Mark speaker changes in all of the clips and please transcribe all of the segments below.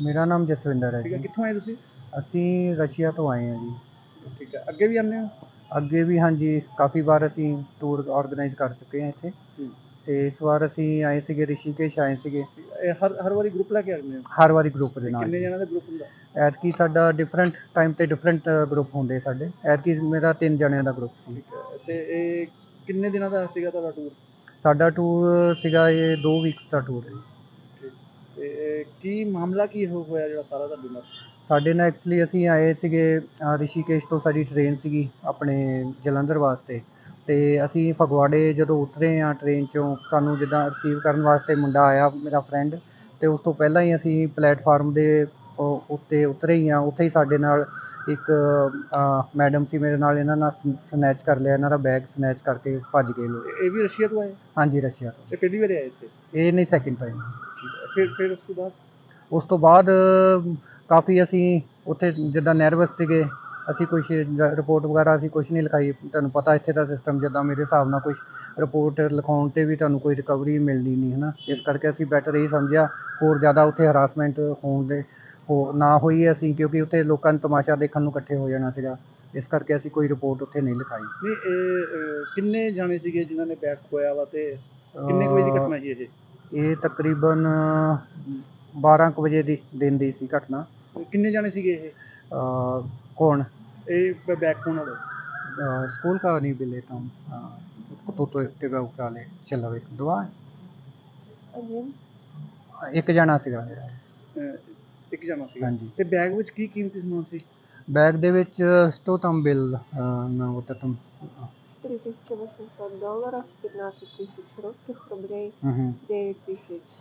Speaker 1: ਮੇਰਾ ਨਾਮ ਜਸਵਿੰਦਰ ਹੈ
Speaker 2: ਠੀਕ ਹੈ,
Speaker 1: ਜੀ।
Speaker 2: ਕਿੱਥੋਂ ਆਏ ਤੁਸੀਂ?
Speaker 1: ਅਸੀਂ ਰਸ਼ੀਆ ਤੋਂ ਆਏ ਹਾਂ ਜੀ।
Speaker 2: ਠੀਕ ਹੈ, ਅੱਗੇ ਵੀ ਆਉਂਦੇ ਹੋ?
Speaker 1: ਅੱਗੇ ਵੀ ਹਾਂਜੀ, ਕਾफ़ੀ ਵਾਰ ਅਸੀਂ ਟੂਰ ਆਰਗੇਨਾਈਜ਼ ਕਰ ਚੁੱਕੇ ਹਾਂ ਇੱਥੇ। ਤੇ ਇਸ ਵਾਰ ਅਸੀਂ ਆਏ ਸੀਗੇ, ਰਿਸ਼ੀਕੇਸ਼ ਆਏ ਸੀਗੇ।
Speaker 2: ਇਹ ਹਰ ਵਾਰੀ ਗਰੁੱਪ ਲੈ ਕੇ ਆਉਂਦੇ ਹੋ?
Speaker 1: ਹਰ ਵਾਰੀ ਗਰੁੱਪ ਦੇ
Speaker 2: ਤੇ
Speaker 1: ਨਾਲ
Speaker 2: ਕਿੰਨੇ
Speaker 1: ਜੀ।
Speaker 2: ਜਣਾਂ ਦਾ ਗਰੁੱਪ ਹੁੰਦਾ?
Speaker 1: ਐਤਕੀ ਸਾਡਾ ਡਿਫਰੈਂਟ ਟਾਈਮ ਤੇ ਡਿਫਰੈਂਟ ਗਰੁੱਪ ਹੁੰਦੇ ਸਾਡੇ। ਐਤਕੀ ਮੇਰਾ 3 ਜਣਿਆਂ ਦਾ ਗਰੁੱਪ ਸੀ।
Speaker 2: ਠੀਕ ਹੈ, ਤੇ ਇਹ ਕਿੰਨੇ ਦਿਨਾਂ ਦਾ ਸੀਗਾ ਤੁਹਾਡਾ ਟੂਰ?
Speaker 1: ਸਾਡਾ ਟੂਰ ਸੀਗਾ ਇਹ 2 ਵੀਕਸ ਦਾ ਟੂਰ ਹੈ ਜੀ।
Speaker 2: ਠੀਕ, ਤੇ ਇਹ ਕੀ ਮਾਮਲਾ ਕੀ ਹੋਇਆ ਜਿਹੜਾ ਸਾਰਾ ਤੁਹਾਡੇ ਨਾਲ?
Speaker 1: ਸਾਡੇ ਨਾਲ ਐਕਚੁਅਲੀ ਅਸੀਂ ਆਏ ਸੀਗੇ ਰਿਸ਼ੀਕੇਸ਼ ਤੋਂ, ਸਾਡੀ ਟ੍ਰੇਨ ਸੀਗੀ ਆਪਣੇ ਜਲੰਧਰ ਵਾਸਤੇ। ਤੇ ਅਸੀਂ ਫਗਵਾੜੇ ਜਦੋਂ ਉਤਰੇ ਹਾਂ ਟ੍ਰੇਨ 'ਚੋਂ, ਸਾਨੂੰ ਜਿੱਦਾਂ ਰਿਸੀਵ ਕਰਨ ਵਾਸਤੇ ਮੁੰਡਾ ਆਇਆ ਮੇਰਾ ਫਰੈਂਡ, ਤੇ ਉਸ ਤੋਂ ਪਹਿਲਾਂ ਹੀ ਅਸੀਂ ਪਲੇਟਫਾਰਮ ਦੇ ਉੱਤੇ ਉਤਰੇ ਹੀ ਹਾਂ। ਉੱਥੇ ਹੀ ਸਾਡੇ ਨਾਲ ਇੱਕ ਮੈਡਮ ਸੀ ਮੇਰੇ ਨਾਲ, ਇਹਨਾਂ ਨਾਲ ਸਨੈਚ ਕਰ ਲਿਆ, ਇਹਨਾਂ ਦਾ ਬੈਗ ਸਨੈਚ ਕਰਕੇ ਭੱਜ ਗਏ ਲੋਕ।
Speaker 2: ਇਹ ਵੀ ਰਸ਼ੀਆ ਤੋਂ ਆਏ?
Speaker 1: ਹਾਂਜੀ, ਰਸ਼ੀਆ ਤੋਂ।
Speaker 2: ਇਹ ਪਹਿਲੀ ਵਾਰ ਆਏ ਇੱਥੇ?
Speaker 1: ਇਹ ਨਹੀਂ, ਸੈਕਿੰਡ ਟਾਈਮ।
Speaker 2: ਠੀਕ ਹੈ, ਫਿਰ
Speaker 1: ਉਸ ਤੋਂ ਬਾਅਦ ਕਾਫੀ ਅਸੀਂ ਉੱਥੇ ਜਿੱਦਾਂ ਨਰਵਸ ਸੀਗੇ। ਅਸੀਂ ਕੁਛ ਰਿਪੋਰਟ ਵਗੈਰਾ ਅਸੀਂ ਕੁਛ ਨਹੀਂ ਲਿਖਾਈ। ਤੁਹਾਨੂੰ ਪਤਾ ਇੱਥੇ ਦਾ ਸਿਸਟਮ ਜਿੱਦਾਂ ਮੇਰੇ ਹਿਸਾਬ ਨਾਲ ਕੁਛ ਰਿਪੋਰਟ ਲਿਖਾਉਣ 'ਤੇ ਵੀ ਤੁਹਾਨੂੰ ਕੋਈ ਰਿਕਵਰੀ ਮਿਲਣੀ ਨਹੀਂ ਹੈ ਨਾ। ਇਸ ਕਰਕੇ ਅਸੀਂ ਬੈਟਰ ਇਹ ਸਮਝਿਆ ਹੋਰ ਜ਼ਿਆਦਾ ਉੱਥੇ ਹਰਾਸਮੈਂਟ ਨਾ ਹੋਈ ਅਸੀਂ, ਕਿਉਂਕਿ ਉੱਥੇ ਲੋਕਾਂ ਨੂੰ ਤਮਾਸ਼ਾ ਦੇਖਣ ਨੂੰ ਇਕੱਠੇ ਹੋ ਜਾਣਾ ਸੀਗਾ। ਇਸ ਕਰਕੇ ਅਸੀਂ ਕੋਈ ਰਿਪੋਰਟ ਉੱਥੇ ਨਹੀਂ ਲਿਖਾਈ।
Speaker 2: ਨਹੀਂ, ਇਹ ਕਿੰਨੇ ਜਾਣੇ ਸੀਗੇ ਜਿਨ੍ਹਾਂ ਨੇ ਬੈਗ ਖੋਇਆ ਵਾ, ਤੇ ਕਿੰਨੇ ਕੁ ਵਜੇ ਦੀ ਘਟਨਾ ਜੀ ਇਹ?
Speaker 1: ਇਹ ਤਕਰੀਬਨ 12 ਕੁ ਵਜੇ ਦੀ ਦਿਨ ਦੀ ਸੀ ਘਟਨਾ।
Speaker 2: ਕਿੰਨੇ ਜਾਣੇ ਸੀਗੇ ਇਹ?
Speaker 1: कौन?
Speaker 2: ਇਹ ਬੈਗ ਖੋਣ ਵਾਲੇ?
Speaker 1: स्कूल का नहीं बिले तुम तो तेरा उपराले चलो एक दुआ एक जना ਸੀਗਾ ਮੇਰਾ।
Speaker 2: ਇੱਕ ਜਾਣਾ ਸੀਗਾ।
Speaker 1: ਹਾਂਜੀ।
Speaker 2: ਤੇ ਬੈਗ ਵਿੱਚ ਕੀ ਕੀਮਤੀ ਸਮਾਨ ਸੀ?
Speaker 1: ਬੈਗ ਦੇ ਵਿੱਚ что там был на вот этом
Speaker 3: $3800, 15 тысяч русских рублей,
Speaker 1: мгм
Speaker 3: 9 тысяч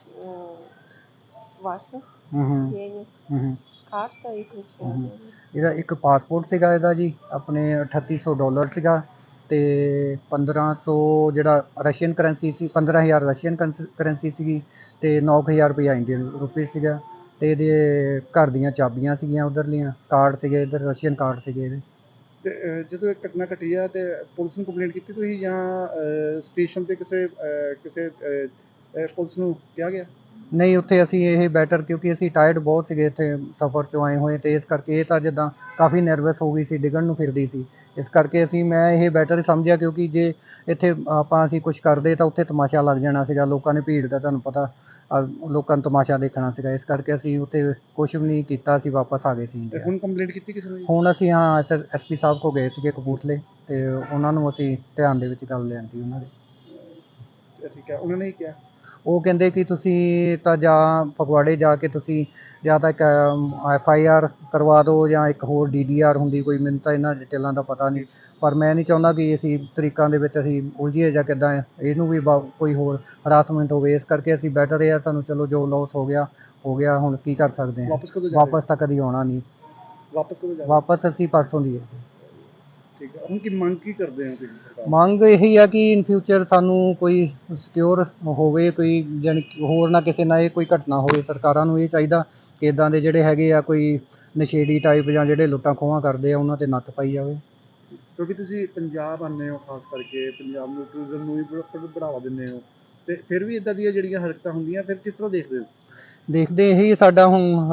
Speaker 3: ваших
Speaker 1: мгм
Speaker 3: денег,
Speaker 1: мгм
Speaker 3: карта и ключи.
Speaker 1: ਹਮ। ਇਹਦਾ ਇੱਕ ਪਾਸਪੋਰਟ ਸੀਗਾ ਇਹਦਾ ਜੀ, ਆਪਣੇ $3800 ਸੀਗਾ, ਤੇ 1500 ਜਿਹੜਾ ਰਸ਼ੀਅਨ ਕਰੰਸੀ ਸੀ, 15000 ਰਸ਼ੀਅਨ ਕਰੰਸੀ ਸੀਗੀ, ਤੇ 9000 ਰੁਪਇਆ ਇੰਡੀਅਨ ਰੁਪਏ ਸੀਗਾ। ਤੇ ਇਹਦੇ ਘਰ ਦੀਆਂ ਚਾਬੀਆਂ ਸੀਗੀਆਂ ਉਧਰਲੀਆਂ, ਕਾਰਡ ਸੀਗੇ ਇੱਧਰ, ਰਸ਼ੀਅਨ ਕਾਰਡ ਸੀਗੇ ਇਹਦੇ।
Speaker 2: ਤੇ ਜਦੋਂ ਇਹ ਘਟਨਾ ਘਟੀ ਆ ਤੇ ਪੁਲਿਸ ਨੂੰ ਕੰਪਲੇਂਟ ਕੀਤੀ ਤੁਸੀਂ, ਜਾਂ ਸਟੇਸ਼ਨ ਤੇ ਕਿਸੇ ਪੁਲਿਸ ਨੂੰ ਕਿਹਾ ਗਿਆ?
Speaker 1: ਨਹੀਂ, ਉੱਥੇ ਅਸੀਂ ਇਹ ਬੈਟਰ, ਕਿਉਂਕਿ ਅਸੀਂ ਟਾਇਰਡ ਬਹੁਤ ਸੀਗੇ ਇੱਥੇ ਸਫ਼ਰ 'ਚੋਂ ਆਏ ਹੋਏ, ਤੇ ਇਸ ਕਰਕੇ ਇਹ ਤਾਂ ਜਿੱਦਾਂ ਕਾਫੀ ਨਰਵਸ ਹੋ ਗਈ ਸੀ, ਡਿੱਗਣ ਨੂੰ ਫਿਰਦੀ ਸੀ। ਇਸ ਕਰਕੇ ਮੈਂ ਇਹ ਬੈਟਰ ਸਮਝਿਆ, ਕਿਉਂਕਿ ਜੇ ਇੱਥੇ ਅਸੀਂ ਕੁਛ ਕਰਦੇ ਤਾਂ ਉੱਥੇ ਤਮਾਸ਼ਾ ਲੱਗ ਜਾਣਾ ਸੀਗਾ। ਲੋਕਾਂ ਨੇ ਭੀੜ ਦਾ ਤੁਹਾਨੂੰ ਪਤਾ, ਲੋਕਾਂ ਨੂੰ ਤਮਾਸ਼ਾ ਦੇਖਣਾ ਸੀਗਾ। ਇਸ ਕਰਕੇ ਅਸੀਂ ਉੱਥੇ ਕੁਛ ਵੀ ਨਹੀਂ ਕੀਤਾ, ਅਸੀਂ ਵਾਪਸ ਆ ਗਏ ਸੀ ਇੰਡੀਆ।
Speaker 2: ਹੁਣ ਕੰਪਲੇਂਟ ਕੀਤੀ ਕਿਸੇ ਨੇ?
Speaker 1: ਹੁਣ ਅਸੀਂ SP ਸਾਹਿਬ ਕੋਲ ਗਏ ਸੀਗੇ ਕਪੂਰਥਲੇ, ਤੇ ਉਹਨਾਂ ਨੂੰ ਅਸੀਂ ਧਿਆਨ ਦੇ ਵਿੱਚ ਗੱਲ ਲਿਆਂਦੀ ਉਹਨਾਂ ਦੇ।
Speaker 2: ਠੀਕ ਹੈ, ਉਹਨਾਂ ਨੇ ਕੀ ਕਿਹਾ?
Speaker 1: ਉਹ ਕਹਿੰਦੇ ਕਿ ਤੁਸੀਂ ਤਾਂ ਜਾਂ ਫਗਵਾੜੇ ਜਾ ਕੇ ਤੁਸੀਂ ਜਾਂ ਤਾਂ ਇੱਕ FIR ਕਰਵਾ ਦਿਓ, ਜਾਂ ਇੱਕ ਹੋਰ DDR ਹੁੰਦੀ ਕੋਈ, ਮੈਨੂੰ ਤਾਂ ਇਹਨਾਂ ਡਿਟੇਲਾਂ ਦਾ ਪਤਾ ਨਹੀਂ। ਪਰ ਮੈਂ ਨਹੀਂ ਚਾਹੁੰਦਾ ਕਿ ਅਸੀਂ ਤਰੀਕਾਂ ਦੇ ਵਿੱਚ ਅਸੀਂ ਉਲਝੀਏ ਜਾਂ ਕਿੱਦਾਂ ਇਹਨੂੰ ਵੀ ਕੋਈ ਹੋਰ ਹਰਾਸਮੈਂਟ ਹੋਵੇ। ਇਸ ਕਰਕੇ ਅਸੀਂ ਬੈਟਰ ਇਹ ਆ, ਸਾਨੂੰ ਚਲੋ ਜੋ ਲੋਸ ਹੋ ਗਿਆ, ਹੁਣ ਕੀ ਕਰ ਸਕਦੇ ਹਾਂ। ਵਾਪਸ ਤਾਂ ਕਦੀ ਆਉਣਾ ਨਹੀਂ।
Speaker 2: ਵਾਪਸ ਕਦੋਂ ਜਾਣਾ?
Speaker 1: ਵਾਪਸ ਅਸੀਂ ਪਰਸੋਂ ਦੀ ਹੈ।
Speaker 2: ਠੀਕ ਹੈ, ਹੁਣ ਕੀ ਮੰਗ ਕੀ ਕਰਦੇ ਹੋ ਤੁਸੀਂ ਸਰਕਾਰ?
Speaker 1: ਮੰਗ ਇਹੀ ਆ ਕਿ ਇਨ ਫਿਊਚਰ ਸਾਨੂੰ ਕੋਈ ਸਿਕਿਉਰ ਹੋਵੇ, ਕੋਈ ਜਾਣੀ ਹੋਰ ਨਾ ਕਿਸੇ ਨਾਲ ਇਹ ਕੋਈ ਘਟਨਾ ਹੋਵੇ। ਸਰਕਾਰਾਂ ਨੂੰ ਇਹ ਚਾਹੀਦਾ ਕਿ ਇੱਦਾਂ ਦੇ ਜਿਹੜੇ ਹੈਗੇ ਆ ਕੋਈ ਨਸ਼ੇੜੀ ਟਾਈਪ ਜਾਂ ਜਿਹੜੇ ਲੁੱਟਾਂ ਖੋਹਾਂ ਕਰਦੇ ਆ, ਉਹਨਾਂ 'ਤੇ ਨੱਥ ਪਾਈ ਜਾਵੇ।
Speaker 2: ਕਿਉਂਕਿ ਤੁਸੀਂ ਪੰਜਾਬ ਆਉਂਦੇ ਹੋ, ਖਾਸ ਕਰਕੇ ਪੰਜਾਬ ਨੂੰ ਟੂਰਿਜ਼ਮ ਨੂੰ ਵੀ ਬੜਾਵਾ ਦਿੰਦੇ ਹੋ, ਤੇ ਫਿਰ ਵੀ ਇੱਦਾਂ ਦੀਆਂ ਜਿਹੜੀਆਂ ਹਰਕਤਾਂ ਹੁੰਦੀਆਂ, ਫਿਰ ਕਿਸ ਤਰ੍ਹਾਂ ਦੇਖਦੇ ਹੋ?
Speaker 1: ਦੇਖਦੇ ਇਹੀ ਸਾਡਾ ਹੁਣ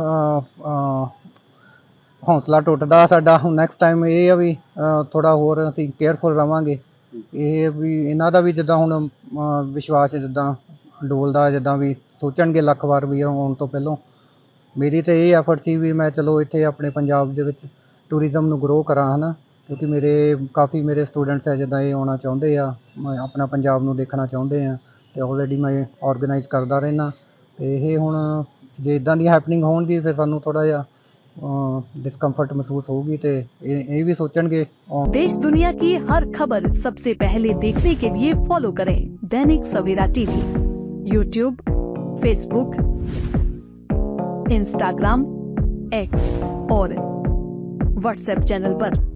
Speaker 1: ਹੌਸਲਾ ਟੁੱਟਦਾ ਸਾਡਾ। ਹੁਣ ਨੈਕਸਟ ਟਾਈਮ ਇਹ ਆ ਵੀ ਥੋੜ੍ਹਾ ਹੋਰ ਅਸੀਂ ਕੇਅਰਫੁਲ ਰਹਾਂਗੇ। ਇਹ ਵੀ ਇਹਨਾਂ ਦਾ ਵੀ ਜਿੱਦਾਂ ਹੁਣ ਵਿਸ਼ਵਾਸ ਜਿੱਦਾਂ ਡੋਲਦਾ, ਜਿੱਦਾਂ ਵੀ ਸੋਚਣਗੇ ਲੱਖ ਵਾਰ ਵੀ ਆਉਣ ਤੋਂ ਪਹਿਲਾਂ। ਮੇਰੀ ਤਾਂ ਇਹ ਐਫਰਟ ਸੀ ਵੀ ਮੈਂ ਚਲੋ ਇੱਥੇ ਆਪਣੇ ਪੰਜਾਬ ਦੇ ਵਿੱਚ ਟੂਰਿਜ਼ਮ ਨੂੰ ਗਰੋ ਕਰਾਂ, ਹੈ ਨਾ, ਕਿਉਂਕਿ ਕਾਫੀ ਮੇਰੇ ਸਟੂਡੈਂਟਸ ਹੈ ਜਿੱਦਾਂ ਇਹ ਆਉਣਾ ਚਾਹੁੰਦੇ ਆ, ਆਪਣਾ ਪੰਜਾਬ ਨੂੰ ਦੇਖਣਾ ਚਾਹੁੰਦੇ ਆ, ਅਤੇ ਆਲਰੇਡੀ ਮੈਂ ਔਰਗਨਾਈਜ਼ ਕਰਦਾ ਰਹਿੰਦਾ। ਅਤੇ ਇਹ ਹੁਣ ਜੇ ਇੱਦਾਂ ਦੀ ਹੈਪਨਿੰਗ ਹੋਣਗੀ, ਫਿਰ ਸਾਨੂੰ ਥੋੜ੍ਹਾ ਜਿਹਾ डिस्कम्फर्ट महसूस होगी, तो ये भी सोचेंगे।
Speaker 4: देश दुनिया की हर खबर सबसे पहले देखने के लिए फॉलो करें Dainik Savera TV, YouTube, Facebook, Instagram, X और WhatsApp चैनल पर।